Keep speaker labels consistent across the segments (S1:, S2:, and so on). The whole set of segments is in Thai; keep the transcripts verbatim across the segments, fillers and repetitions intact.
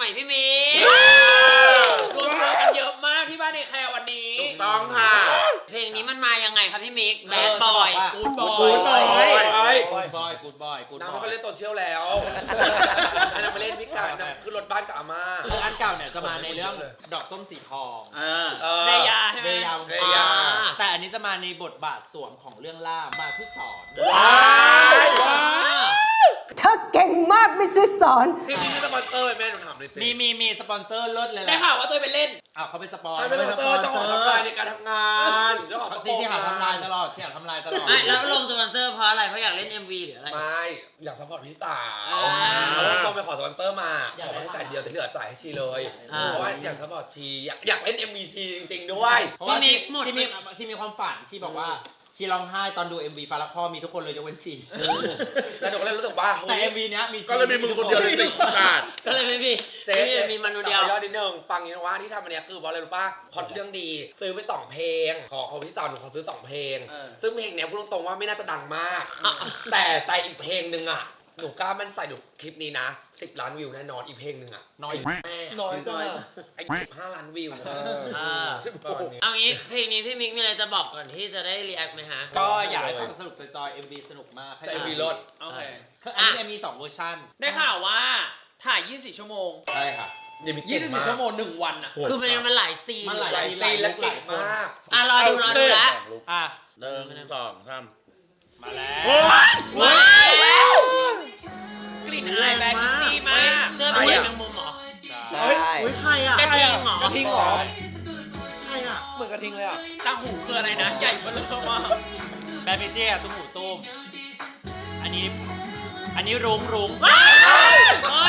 S1: ม่พี่มิกรวมตัวกันเยอะมากที่บ้านในแคร์วันนี้
S2: ถูกต้องค่ะ
S1: เพลงนี้มันมายังไงครับพี่มิกแบดบอยกูดบอย
S2: กูดบอย
S3: กูดบอยกูดบอยกูดบอย
S2: น้ำเขาเล่นโซเชียลแล้วอันนั้นมาเล่นพิการนะคือรถบ้านกับอาม่า
S3: คืออันเก่าเนี่ยจะมาในเรื่องดอกส้มสีทอง
S1: เบยาใช่ไหม
S3: เบยา
S2: เบยา
S3: แต่อันนี้จะมาในบทบาทสวมของเรื่องล่ามาทุสอน
S2: ว้าว
S4: เธอเก่งมากมิสซิสสอน
S2: ที่มีสปอนเซอร์แม่หนูถามเลย
S3: มีมีมีสปอนเซอร์เลิศเลยแหละ
S1: ได้ข่าวว่าตัวไปเล่น
S3: อ้าวเขาเป็นสปอน
S2: ใช่เป็นสปอนเซอร์เจ้าของทำลายในการทำงานเจ้าของ
S3: ซีเชี่ยทำลายตลอดเชี่ยทำลายตลอด
S1: ไม่แล้วลงสปอนเซอร์เพราะอะไรเพราะอยากเล่น เอ็ม วี หรืออะไร
S2: ไม่อยากซัพพอร์ตพี่สาวต้องไปขอสปอนเซอร์มาขอแค่แต่เดียวแต่เหลือจ่ายให้ชีเลยเพราะว่าอยากซัพพอร์ตชีอยากอยากเล่น เอ็ม วี ชีจริงๆด้วย
S3: เพราะว่าชีมีชีมีความฝันชีบอกว่าชีร้องไห้ตอนดู เอ็ม วี ฟ้ารักพ่อมีทุกคนเลยยกเว้นชี
S2: แล้วหนูก็เลยรู้สึกว่า
S3: แต่ เอ็ม วี เนี้ยมี
S2: ก็เลยมีมึงคนเดียวเลยสิขาด
S1: ก็เลยไม่มีเจ๊มีมันคนเดียวย
S2: อดนิดนึงฟังนี้นะว่าที่ทำอันนี้คือบอกเลยรู้ป่ะพอเรื่องดีซื้อไปสองเพลงขอของพี่สาวหนูขอซื้อสองเพลงซึ่งเพลงเนี้ยพูดตรงๆว่าไม่น่าจะดังมากแต่แต่อีกเพลงนึงอ่ะหนูกล้ามั่นใจหนูคลิปนี้นะสิบล้านวิวแน่นอนอีกเพลงนึงอ่ะ
S3: น้อย
S2: แม่
S3: น้อยจัง
S2: ไอ้สิบห้าล้านวิว
S1: เอางี้เพลงนี้พี่มิกมีอะไรจะบอกก่อนที่จะได้รีแอคไหมฮะ
S3: ก็อยากให้ฟังสนุกจอย เอ็ม วี สนุกมาก
S2: แต่ เอ็ม วี รถ
S1: โอเค
S3: คืออันนี้มีสองเวอร์ชัน
S1: ได้ข่าวว่าถ่ายยี่สิบสี่ชั่วโมง
S3: ใช่ค่ะ
S1: ยี่สิบสี่ชั่วโมงหนึ่งวันอ่ะคือมันมันหลายซีน
S3: มันหลายซีน
S2: และเก่งมาก
S1: อ่ะรอดูรอดูแล้ว
S3: อ่ะ
S2: หนึ่งสองสาม
S3: มาแล้ว
S1: ว้าวกลิ่นอายแบล็คซีมากเสื้อเป็นแมงมุมเหรอ
S3: ใช่
S2: อุ้ยใครอ่ะ
S1: กระทิงเหรอก
S2: ระทิงเหรอใช่อ่ะเหมือนกระทิงเลยอ่ะ
S1: ต่างหูคืออะไรนะใหญ่เบ้อเริ่มมาก
S3: แบล็คซี่ตุ้มหูตุ้มอันนี้อันนี้รุ้งรุ้ง
S1: เฮ้ย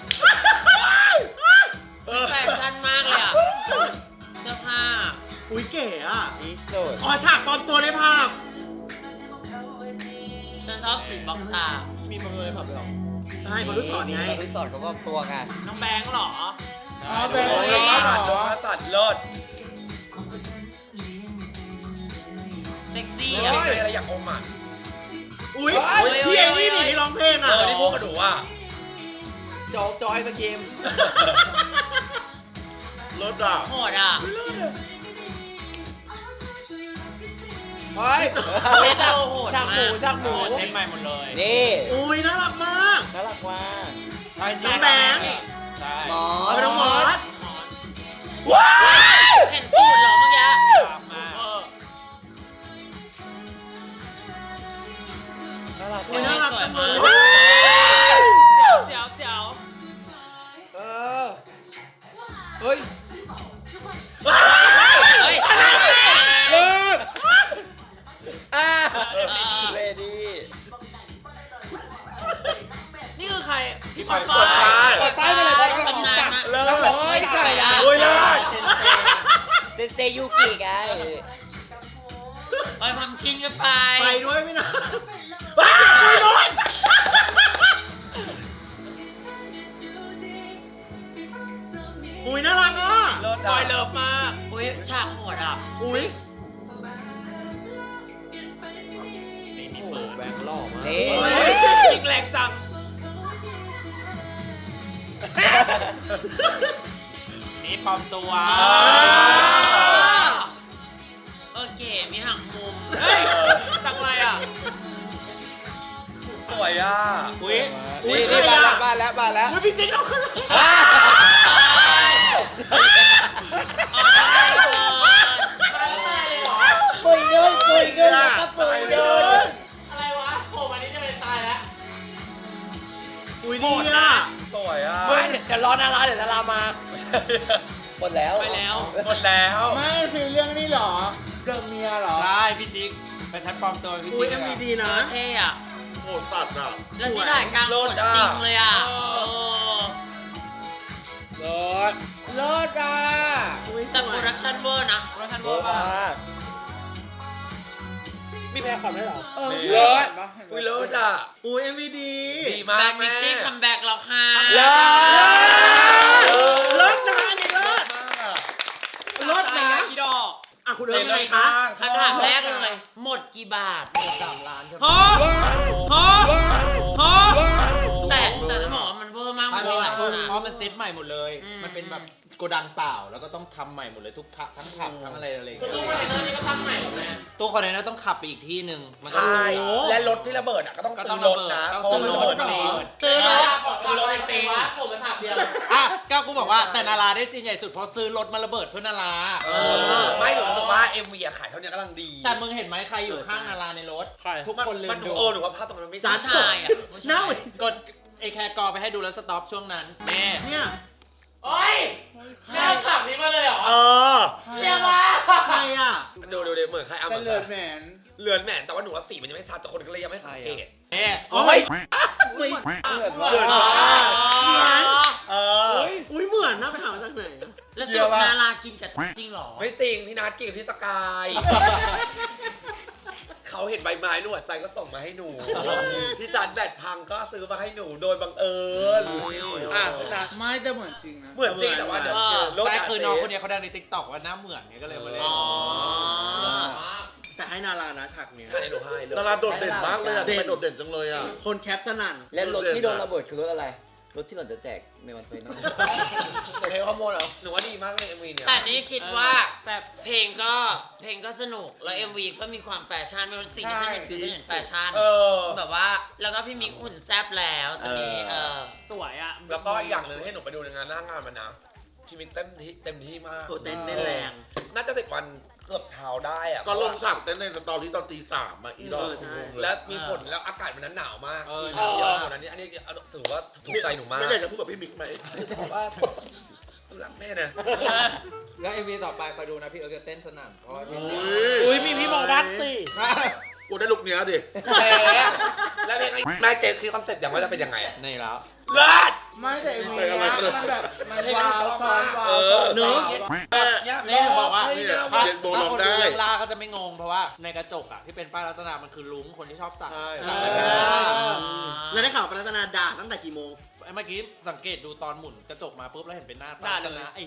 S1: แฟชั่นมากเลยอ่ะเสื้อผ้า
S2: อุ้ยเก๋อ่ะ
S3: อ๋อฉากปลอมตัวในภาพ
S1: ฉันชอบสีบล็อกตา
S3: มีปลอมตัวในภาพหรอ
S2: ใช่บอลลูนสอนไง
S3: บอลลูนสอนเขาก็ตัวไง
S1: น้องแบงค์หรอ
S3: อ๋อแบงค์
S2: น้องสัตว์น้องสัตว์เลิศ
S1: เซ็กซี่
S2: อ่ะอะไรอยากอมอ่ะ
S3: อุ้ยพี่เอ็มวี่นี่ร้องเพลงอ่ะ
S2: เออที่พูดกับหนูอ่ะ
S1: โจ๊กจอยสกีม
S2: เลิศอ่ะ
S1: โหดอ่ะ
S2: เฮ้ย
S1: เล่นเอาโหดมาก
S3: ช่างหมูช่างหมูเซ็ตใหม่หมดเลยนี่
S2: อุ้ยน่ารักมาก
S3: น่ารักมากใช่
S2: น้องแบงค์
S3: ใช่
S2: หมอน้องหมอ
S1: ว้าวเห็นตูดเหรอเมื่อกี้
S2: น่ารัก
S1: น่ารักจังเลยเสียวเสียว
S2: เออเฮ้ย
S1: เฮ้ย
S2: เลิก
S3: อ่าเรดี้
S1: นี่คือใครพี่ปอยฟ้า
S2: ปอยฟ้าไปเลย
S1: ตำนานมา
S2: เลิก
S1: โอ้ยใครอ่ะ
S2: โอ้ยเลิก
S3: เซนเซยูกิไง
S1: ไปทำกินกันไป
S2: ไปด้วยไม่นะอุ้ยน่ารักอ่ะ
S1: บอยเลิฟมากอุ้ยฉากโหดอ่ะ
S2: อุ้ย
S3: มีเปิดแบงค์ล่อมา
S1: ยิงแรงจัง
S3: นี่ปลอมตัว
S1: โอเคมีหางมุมจังไรอ่ะ
S2: สวยอ่ะ
S3: อุ้ยอุ้ยนี่มาแล้วมาแล้วมาแล้ว
S2: อุ้ยพี่จิ๊กเอาขึ้น
S3: ปุยเดินปุยเดินนะครับปุยเดิน
S1: อะไรวะโผล่มานี่จะเป็นตายแล้ว
S2: อุ้ยดีอ่ะสวยอ่ะ
S1: เฮ้ยเดี๋ยวรอนาราเดี๋ยวนารามา
S3: หมดแล้ว
S1: ไปแล้ว
S2: หมดแล้ว
S3: ไม่ฟิลเรื่องนี้หรอเรื่องเมียหรอใช่พี่จิ๊กเป็นชั้นปลอมตัวพี่จิ๊กอุ้ย
S2: มีดีนะ
S1: เท่อะ
S2: โหดสัตว์อ่ะ
S1: แล้วที่ถ่ายกลางฝนจริงเลยอ่ะ
S3: เลิศเลิศอ่ะ
S1: แต่โปรดักชั่นเวอร์นะโปรดักชั่นเวอร์มากมีแพรคอนได้หรอ
S2: เออเลิศอุ้ยเลิศอ่ะอุ้ย เอ็ม วี ดีดีมากแม่แบ็คมิกซี่
S1: คัมแบ็กแล้วค่ะ
S2: เลิศเลิศนะนี่เลิศเลิศนะ
S1: พี่ดอก
S2: อ่ะคุณเอิญไงคะ
S1: คำถามแรกเลยหมดกี่บาทหมดสามล้านใช่ไหมฮะฮะฮะแต่แต่จะบอกว่ามันเวอร์มากมันมีหลายฉาก
S3: เพราะมันเซ็ตใหม่ม่หมดเลย
S1: อืม
S3: มันเป็นแบบโกดังเปล่าแล้วก็ต้องทำใหม่หมดเลยทุกผักทั้งผักทั้งอะไรอะไรอย่าง
S1: คือ
S3: เงี้ย
S1: ตู้คอนเทนเนอร์นี่ก็ทำใหม่หมดเลย
S3: ตู้คอนเทนเนอร์ต้องขับไปอีกที่หนึ่งมันก็
S2: ใช่และรถที่ระเบิดอ่ะก็ต้อง
S3: ก็ต้
S2: ซื้
S3: อง
S2: อรถนะ
S3: ระ
S2: เพ
S3: เบิ
S2: ราะ
S3: ด
S2: มันระเบิดจริง
S1: ซื้อรถ
S2: ซื้อรถจริง
S1: ผมมาสามเดียว
S3: อ่ะก้าวกูบอกว่าแต่นาราได้ซีนใหญ่สุดเพราะซื้อรถมาระเบิดเพื่อนารา
S2: เออไม่หนูรู้สึกว่า เอ็ม วี อะขายเท่านี้กำลังดี
S3: แต่มึงเห็นไหมใครอยู่ข้างนาราในรถทุกคนลื
S2: มัน
S3: ม
S2: ดู
S3: ดู
S2: เออหนูว่าภาพตรงนั้นไม่
S1: จ้า
S2: ใช่
S1: ชายอ่ะ
S5: หน้าเหมือน
S3: กดไอแคร์กอไปให้ดูแล้วสต็อปช่วงนั้นแม่
S5: เนี่ย
S1: โอ้ยแค่ขับนี้มาเลยเหรอ
S2: เออ
S1: เฮียมา
S5: ใครอ่ะ
S2: ดูดูดิเหมือนใครเอา
S6: เป็
S2: มาน
S6: เลือดแหมน
S2: เลือนแหมนแต่ว่าหนูว่าสีมันยังไม่ชัดแต่คนก็เลยยังไม่สังเกต
S3: แม่
S5: โอ้ยไม่
S2: เลือน
S1: อ๋อ
S2: เออ
S5: อุ้ยเหมือนนะไปหามาจากไหนอะ
S1: แล้วสรุปนารากินกับจริงเหรอ
S2: ไม่จริงพี่นัทกินกับพี่สกาย เขาเห็นใบไม้หนวดใจก็ส่งมาให้หนูพี่ซันแบตพังก็ซื้อมาให้หนูโดยบังเอิญอ่ะพี่นัท
S6: ไม่แต่เหมือนจริงนะ
S2: เหมือนจริงแต่ว่าเดี๋ยวเจอรถ
S3: ใช่
S2: ะ
S3: คือน้องคนนี้เขาดังในติ๊กต็อกว่าหน้าเหมือนไงก็เลยมาเล่น
S1: อ๋อ
S5: แต่ให้นารานะฉากเนี้ย
S2: ใช่หนูให้เลย
S7: ดาราโดดเด่นมากเลยอะ
S5: เด่น
S7: ทำไมโดดเด่นจังเลยอะ
S5: คนแคปสนั่น
S8: และรถที่โดนระเบิดคือรถอะไร รถที่เราจะแจกในวันไฟนอล
S2: เดี๋ยวเทข้อมูลเหรอหนูว่าดีมากเลยเอ็มวีเนี่ย
S1: แต่นี่คิดว่าเพลงก็เพลงก็สนุกแล้ว เอ็ม วี ก็มีความแฟชั่นไม่รู้สิ่งที่ฉันเห็นคือฉันเห็นแฟชั่น
S2: เออ
S1: แบบว่าแล้วก็พี่มิกหุ่นแซบแล้วตอนนี้เออสวยอ่ะ
S2: แล้วก็อีกอย่างหนึ่งให้หนูไปดูในงานหน้างานมันนะชีวิตเต็มที่เต็มที่มาก
S5: โอ้เต้นได้แรง
S2: น่าจะสิบวันเกือบเช้าได้อะ
S7: ก็ลงฉากเต้นในสตอรี่ตอนตีสามอะอีดอ
S5: เอก อใช่
S2: และมีผลแล้วอากาศมันนั้นหนาวมาก
S3: เออ
S2: ที่เยอะกว่านั้นนี่อันนี้ถือว่าถูกใจหนูมาก
S7: ไม่ได้จะพูดกับพี่มิกไหม
S2: เพราะว่ารักแม่นะ
S3: แล้วเอ็มวีต่อไปคอยดูนะพี่เอิร์กจะเต้นสนั่นเพราะว่าพี่
S7: อุ้ยมีพี่บอกรักสิกูได้ลุกเนี้ยดิ
S2: แต่แล้วเพลงนายเจคือคอนเซ็ปต์อย่างว่าจะเป็นยังไงอะ
S3: นี่แล้ว
S2: เลิศ
S6: ไม่แต่เอ็มวีนะมันแบบมันว้าวซ้อนว้าว
S7: เออ
S6: เนื้อ
S3: นี่หนูบอกว่า
S7: เนี่ย
S3: ถ้า
S7: เรียนโบ
S3: ถ้า
S7: ร้อง
S3: คน
S7: ได้
S3: ดูเรื่องล่าก็จะไม่งงเพราะว่าในกระจกอ่ะที่เป็นป้ายรัตนามันคือลุงคนที่ชอบตัด
S2: ใช่
S3: ตัด
S5: เอ
S3: ไป
S5: อ
S3: ไม่ได้
S5: แล้วได้ข่าวปรัตนาด่าตั้งแต่กี่โมง
S3: เมื่อกี้สังเกตดูตอนหมุนกระจกมาปุ๊บแล้วเห็นเป็นหน้าตานะไอ้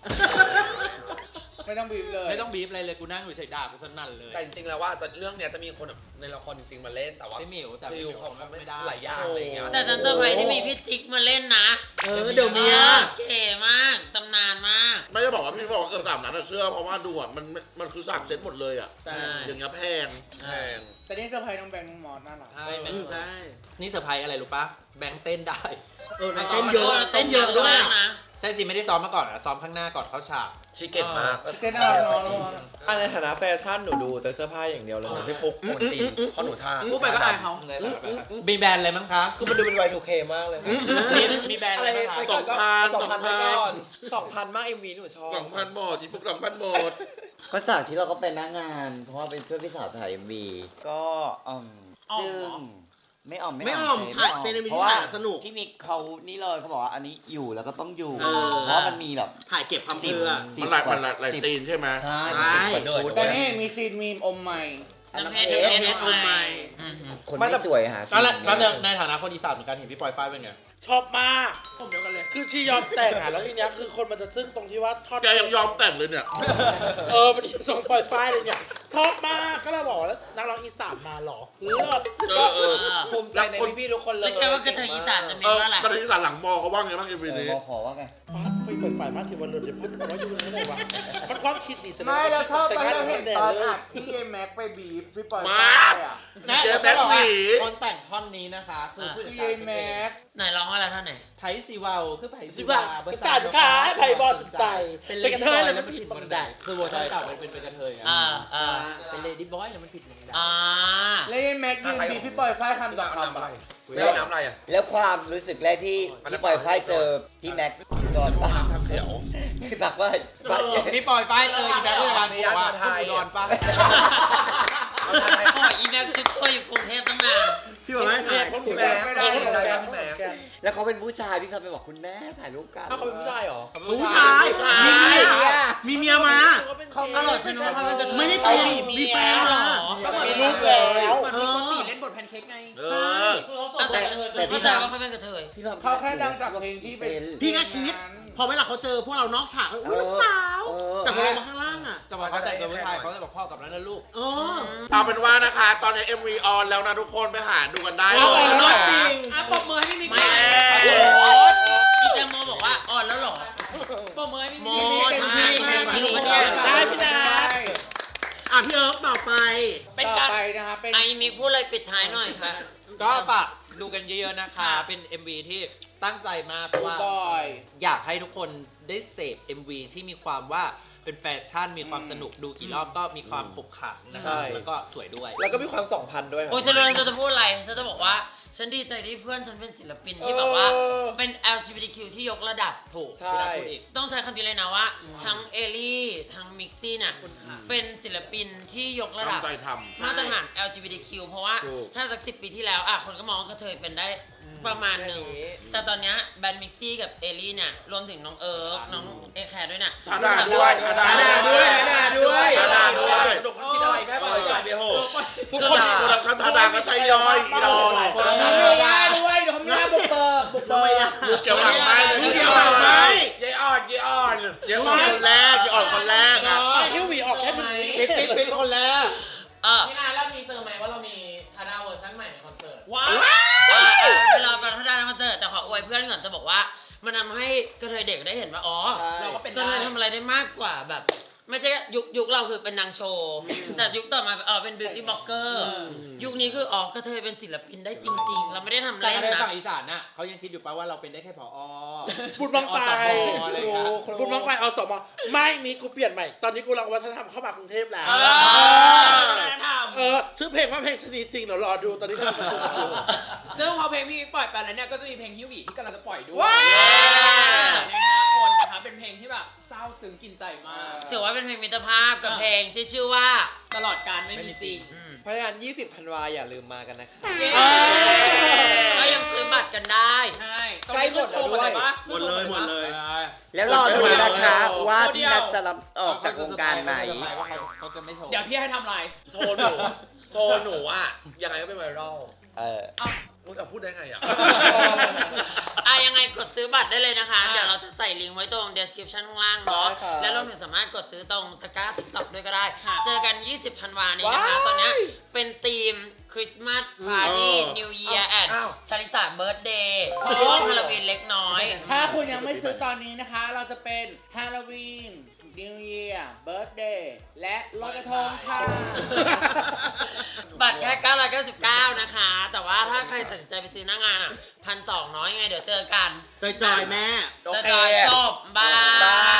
S6: ไม่ต้องบีบเลย
S3: ไม่ต้องบีบอะไรเลยกูนั่งอยู่เฉยๆด่ากูสนั่นเลย
S2: แต่จริงๆแล้วว่าแต่เรื่องเนี้ยจะมีคนแบบในละครจริงๆมาเล่นแต่ว่า
S3: ไม่หมิวแต่
S2: ฟิ
S3: ไม่
S2: ล
S3: หมิว
S2: เขา
S3: เขา
S2: ไม่
S3: ไม่
S2: ได้
S3: ได้
S2: หลายอย่างอะไรอย่างเงี้ย
S1: แต่ฉันเซอร์ไพรส์ที่มีพี่จิ๊กมาเล่นนะ
S5: เออเดี๋ยวเนี้ย
S1: เก๋มากตำนานมาก
S7: ไม่ได้บอกว่าพี่บอกว่าเกิดสามนั้นอะเชื่อเพราะว่าดูอะมันมันคือสามเซตหมดเลยอะ
S1: ใช่
S7: อย่างเงี้ยแพง
S2: แพง
S6: แต่นี่เซอร์ไพรส์น้องแบงค์น้องมอสน่ารัก
S3: ใช่
S5: อืมใช่
S3: นี่เซอร์ไพรส์อะไรรู้ปะแบงค์เต้นได้
S5: เออเต้นเยอะเต้นเยอะด้วย
S1: นะ
S3: ใช่สิไม่ได้ซ้อมมาก่อนอะซ้อมข้างหน้าก่อนเข้าฉาก
S2: ชีเก็ตมาก
S6: เต้นน่ารักน้องน้อง
S9: อันในฐานะแฟชั่นหนูดูแต่เสื้อผ้าอย่างเดียวเลย
S2: พี่ปุ๊กโอนตีนเพราะหนูชา
S6: พูดไปก็อายเขา
S9: ในฐานะแฟชั่น
S3: มีแบรนด์อะไรมั้งคะ
S9: คือมันดูเป็น วาย ทู เค มากเลย
S3: มีมีแบรนด์อะไรบ้างคะ
S7: สองพัน
S9: สองพัน
S7: สองพัน
S9: ไปก่อนสองพันมากเอ็มวีหนูชอบ
S7: สองพันหมดอีพวกสองพันหมด
S8: ก็ฉากที่เราก็เป็นหน้างาน เพราะว่าเป็นช่วยพี่สาวถ่ายเอ็มวีก็อืมซึ่งไม่อ่อม
S5: ไม่อ่อม
S8: ใช่
S5: ถ่ายเป็น MV
S8: เพราะว่า
S5: ที่ถ่ายสนุก
S8: พี่มิกเขานี่เลยเขาบอกว่าอันนี้อยู่แล้วก็ต้องอยู่
S5: เออ
S8: เพราะว่ามันมีแบบ
S5: ถ่ายเก็บความเพื่อ
S8: สิบ
S7: มันหลาย
S8: กว่า
S7: มันหลายหลาย
S8: สิบ
S7: ตีนใช่ไหม
S8: ใช่
S5: ใช่
S8: สิบกว่า
S6: แต่นี่เห็นมีซีนมีมอมใหม่
S1: น้ำเพชร
S5: เอ
S1: น้ำเพชร
S5: เอสโอไม
S1: อืม
S8: คนไม่สวยหา
S3: แล้วแล้ว
S8: สิ่ง
S3: ในฐานะคนอีสานเหมือนกันเห็นพี่ปอยฝ้ายเป็นไง
S9: ชอบมาก
S6: ผมเดียวกันเลย
S9: คือชียอมแต่งอ่ะแล้วทีเนี้ยคือคนมันจะซึ้งตรงที่ว่าทอด
S7: แกยังยอมแต่งเลยเนี่ย
S9: เออมันส่งปล่อยไฟล์เลยเนี่ยชอบมากก็เลยบอกว่าแล้วนักร้องอีสานมาเหรอเลิศ
S7: เออเออ
S9: ภูมิใจในพี่ๆทุกคนเลย
S1: แล้วแกว่ากระเทยอีสานจะ
S7: เอ
S1: เป็น
S7: อ
S1: ว่าอะไร
S7: ตอนนี้สารหลังมอเขาว่าไงบ้างเอ็ม
S8: เอ
S7: วี
S8: อ
S7: นี้
S8: มอขอว่าไง
S9: ฟ้าไปเปิดฝ่ายมากที่วันเลยเดี๋ยวพูดแต่ว่าอยู่ในไหนวะมันความคิดดีแสดง
S6: ไม่แล้วชอบตอน
S9: แต่ง
S6: เรา
S9: งา
S6: เห็น
S9: แด
S6: ตอน
S9: เลย
S6: อัดที่เอแม็กไปบีบพี่ปอย
S7: มา
S6: ได้อ่ะ
S3: นะ
S7: เจ๊
S3: จะบอกว่า
S7: แบ็คหนี
S3: คนแต่งท่อนนี้นะคะคือผู้จัด
S6: ที่
S3: การ
S6: เอแม็ก
S1: ไหนร้องอะไรท่านไหน
S3: ไผ่สีวาวคือไผ่สี
S9: สิ
S3: วา
S9: ว่า
S3: เบอร์
S9: สารค้าไผ่บอลสนใจ
S3: เป็น
S9: เป็นกระเทยแล้วมัน
S3: ผิ
S9: ผิ
S3: ด
S9: ด
S3: บั
S9: บั
S3: น
S9: น
S3: ได
S9: ได
S3: คือเวอร์ชันเก่าเป็นเป็นกระเทยอ่ะ
S1: อ่าอ่า
S3: เป็นเลดี้บอยแล้วมันผิดบันได
S1: อ่า
S6: แล้วเอแม็กยืนบีบพี่ปอยฝ้ายคำต่อคำ
S2: น้ำอะไร
S6: อะ
S2: ไม่เอาน้ำอะไรอ่ะ
S8: แล้วความรู้สึกแรกที่ที่ปล่อยไพ่เจอพี่แม็กจอนป้า
S2: น้ำทำเขียว
S8: พี่ปักว่าปัก
S3: พี่ปอยฝ้ายเจออีแบ็คผู้จัดการบอกว่าพวกอุดรปะ
S2: เอาทำไม
S1: โอ้ยอีแม็กซุปตัวอยู่กรุงเทพตั้งนาน
S5: พี่บอกว่าถ่าย
S2: พี่แม่ไม่ได้ไม่ได้พี่แม่
S8: แล้วเขาเป็นผู้ชายพี่เขาไปบอกคุณแม่ถ่ายรูปกัน
S9: อ้าวเขาเป็นผู้ชายเหรอ
S5: ผู้ชายมีเมียมีเมียมา
S1: อร่อยฉันว่าเขาเป็นกระเทย
S5: ไม่ได้ตีมีแฟนมา
S9: มีลูกแล้ว
S6: เหมือนมีคนตีเล่นบทแพนเค้กไง
S7: เอ
S5: ใช่
S7: อ
S6: คือเขาส
S1: อ่ะ
S6: น
S1: แต่
S6: ใจ
S1: แต่เข้าใจว่าเขาเป็นกระเทย
S8: พี่ปัก
S6: เขาแค่ดังจากเพลงที่เป็น
S5: พี่ก็คิด พอเวลาเขาเจอพวกเรานอกฉากอุ้ยลูกสาว แต่พอลงมาข้างล่างอ่ะ
S3: จะบอกเขาแต่งตัวผู้ชายเขาจะบอกพ่อกับนั้นนะลูก
S5: อ๋อ
S7: เอาเป็นว่านะคะ ตอนนี้ เอ็ม วี ออนแล้วนะทุกคนไปหาดูกันได้
S9: เอา
S7: เลย
S9: เอา
S7: นะ
S9: จริง
S1: อ่ะปรบมือให้พี่มิก
S7: แม่
S1: โอ้โหอีแตงโมบอกว่าอ่อน
S6: ปรบมือให้พี่
S1: โม
S6: มิก
S1: ทำไม
S6: พี่มิก
S1: ได้
S6: ได้พี่นัท
S5: อ่ะพี่เอิร์กต่อไป
S6: เป็นต่อไปนะคะเป็น
S1: ไอ้มิกพูดอะไรปิดท้ายหน่อยค่ะ
S3: ก็ฝากดูกันเยอะๆนะคะ เป็น เอ็ม วี ที่ตั้งใจมากเพราะว่า
S6: บ่อย
S3: อยากให้ทุกคนได้เสพ เอ็ม วี ที่มีความว่าเป็นแฟชั่นมีความสนุกดูกี่รอบก็มีความขบขันนะครับแล้วก็สวยด้วย
S2: แล้วก็มีความสองพันด้วย
S1: โอ้ยฉันรู้แล้วฉันจะพูดอะไรฉันจะบอกว่าฉันดีใจที่เพื่อนฉันเป็นศิลปินที่แบบว่าเป็น แอล จี บี ที คิว ที่ยกระดับ
S3: ถูก
S2: ใช่
S3: พี่นัทพูดอีก
S1: ต้องใช้คำนี้เลยนะว่า ทั้งเอลี่ ทั้งมิกซี่น่ะเป็นศิลปินที่ยกระดับ
S7: ตั้งใจทำ
S1: มาตรฐาน แอล จี บี ที คิว เพราะว่า
S7: ถูก
S1: ถ้าสักสิบปีที่แล้วอ่ะคนก็มองว่ากระเทยเป็นได้ประมาณหนึ่ง แต่ตอนเนี้ยแบรนด์มิกซี่กับเอลี่เนี่ยรวมถึงน้องเอิร์กน้องเอแคร์ด้วยน่ะ
S7: ทาดาด้วยทาดา
S2: ทาดาด้วยทาดาด้วย
S7: ทาดาด้วย
S2: ดุกคิดอะไรแค่ปล่อยใจไปโห
S7: ทุกคนโปรดักชั่นทาดาก็ใช้ย่อยอีดอ
S6: ทำไม่ได้ด้วยเดี๋ยวทำไม่ได้บุกเบิกบุกเบิก
S7: ดูเกี่ยวหลังไม้เลย
S5: ดูเกี่ยวหลังไม้
S2: ยายอ่อนยายอ่อน
S7: เดี๋ยวอ่อนคนแรกเดี๋ยวอ่อนคนแรกอ่ะ
S9: ฮิววีออกแค่หนึ่งวิ
S3: ปิ๊บปิ๊บปิ๊บคนแรก
S1: เออ
S6: พี่นาแล้วมีเซอร์ไหมว่าเรามีทาดาเวอร์ชันใหม่ในคอนเสิร์ต
S1: ว้าวเออเออเวลาไปทัศนคอนเสิร์ตแต่ขออวยเพื่อนก่อนจะบอกว่า มันทำให้กระเทยเด็กได้เห็นว่าอ๋อ
S6: เราก็เป็น
S1: กระเทย
S6: ได้
S1: ทำอะไรได้มากกว่าแบบ ไม่ใช่ยุคยุคเราคือเป็นนางโชว์ แต่ยุคต่อมาเออเป็นบิวตี้บล็อกเกอร์ยุคนี้คืออ๋อกระเทยเป็นศิลปินได้จริง ๆ เราไม่ได้ทำ
S3: แต่
S1: เล่น
S3: ใน
S1: นะ
S3: ฝั่งอีสานน่ะเขายังคิดอยู่ป่ะว่าเราเป็นได้แค่ผอ
S9: บุญบังไฟ
S3: อะไรอย่างเงี้ย
S9: บุญบังไฟเอาสมไม่มีกูเปลี่ยนใหม่ ตอนนี้กูรังวัฒนธรรมเข้ามากรุงเทพแล้ว
S6: เออท
S9: เออชื่อเพลงว่าเพลงชนิดจริงเดี๋ยวรอดูตอนนี้กำลังจะดู
S6: ำซึ่งพอเพลงพี่มิกปล่อยไปแล้วเนี่ยก็จะมีเพลงฮิววีที่กำลังจะปล่อยด้วย
S9: ว้าว
S6: ในห้าคนนะคะเป็นเพลงที่แบบเศร้าซึ้งกินใจมาก
S1: ถือว่าเป็นเพลงมิตรภาพกับเพลงที่ชื่อว่า
S6: ตลอดการไม่มีจริง
S1: อืม
S2: เพราะฉะนั้นยี่สิบธันวาอย่าลืมมากันนะคะ
S1: ก็ยังซื้อบัตรกันได้
S6: ใช่
S2: ใกล้หมดแล้วด้วย
S5: หมดเลยหมดเลย
S8: แล้วรอดูนะคะว่าพี่นัทจะรับออกจากวงการไหน
S3: เขาจะไม่โชว์
S6: เดี๋ยวพี่ให้ทำอะไร
S2: โชว์หนูโชว์หนูอ่ะยังไงก็เป็นไวรัล
S8: เออ
S2: มึงจะพูดได้ไงอ่ะ
S1: อ่ะยังไงกดซื้อบัตรได้เลยนะคะ
S6: อ่า
S1: เดี๋ยวเราจะใส่ลิงก์ไว้ตรง description ข้างล่างเนาะ
S2: ได้ครับ
S1: แล้วเราถึงสามารถกดซื้อตรงตะกร้า TikTok ด้วยก็ได้
S6: ค่ะ
S1: เจอกัน ยี่สิบธันวานี้นะคะ
S2: ว้าย
S1: ตอนเนี้ยเป็นธีมคริสต์มาสพาร์ตี้
S7: เออ
S1: นิวเยียร์แอน
S2: อ้าว
S1: ชาลิสาเบิร์ดเดย์โอ้ฮาโลวีนเล็กน้อย
S6: ถ้าคุณยังไม่ซื้อตอนนี้นะคะ เราจะเป็นฮาโลวีนนิวเยียร์เบิร์ธเดย์และลอยกระทงค่ะ
S1: บัตรแค่เก้าร้อยเก้าสิบเก้านะคะ แต่ว่าถ้าใครตัดสินใจไปซื้อหน้างานอ่ะพันสองน้อยยังไงเดี๋ยวเจอกัน
S5: จอยๆแม่
S2: โอเค
S1: จอยๆจบ บาย